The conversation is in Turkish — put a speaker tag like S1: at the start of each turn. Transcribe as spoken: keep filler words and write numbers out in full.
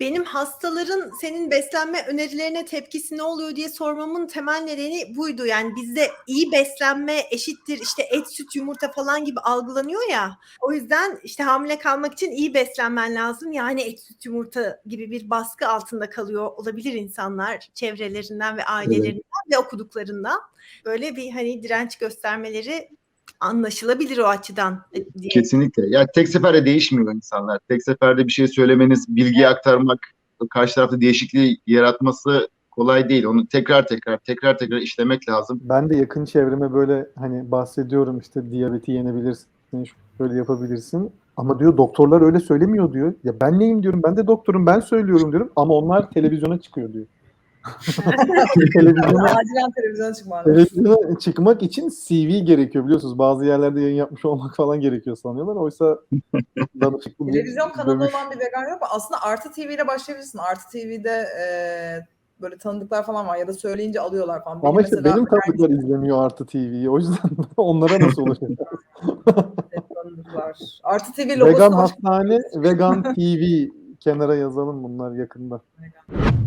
S1: benim hastaların senin beslenme önerilerine tepkisi ne oluyor diye sormamın temel nedeni buydu. Yani bizde iyi beslenme eşittir işte et, süt, yumurta falan gibi algılanıyor ya. O yüzden işte hamile kalmak için iyi beslenmen lazım. Yani et, süt, yumurta gibi bir baskı altında kalıyor olabilir insanlar çevrelerinden ve ailelerinden evet. ve okuduklarından. Böyle bir hani direnç göstermeleri anlaşılabilir o açıdan diye.
S2: Kesinlikle. Ya tek seferde değişmiyor insanlar. Tek seferde bir şey söylemeniz, bilgiyi evet. aktarmak, karşı tarafta değişikliği yaratması kolay değil. Onu tekrar tekrar tekrar tekrar işlemek lazım.
S3: Ben de yakın çevreme böyle hani bahsediyorum işte diyabeti yenebilirsin, şöyle yapabilirsin. Ama diyor doktorlar öyle söylemiyor diyor. Ya ben neyim diyorum, ben de doktorum, ben söylüyorum diyorum. Ama onlar televizyona çıkıyor diyor.
S4: televizyona, acilen televizyona çıkmak.
S3: Televizyona çıkmak için C V gerekiyor biliyorsunuz. Bazı yerlerde yayın yapmış olmak falan gerekiyor sanıyorlar. Oysa
S4: televizyon kanalı dövüş. Olan bir vegan yok mu? Aslında Artı T V ile başlayabilirsin. Artı T V'de e, böyle tanıdıklar falan var ya da söyleyince alıyorlar falan.
S3: Benim Ama işte benim tanıdıklar yani... izlemiyor Artı T V'yi. O yüzden onlara nasıl ulaşacağız?
S4: tanıdıklar. Artı T V
S3: logosu. Vegan hastane, Vegan T V kenara yazalım bunlar yakında. Vegan.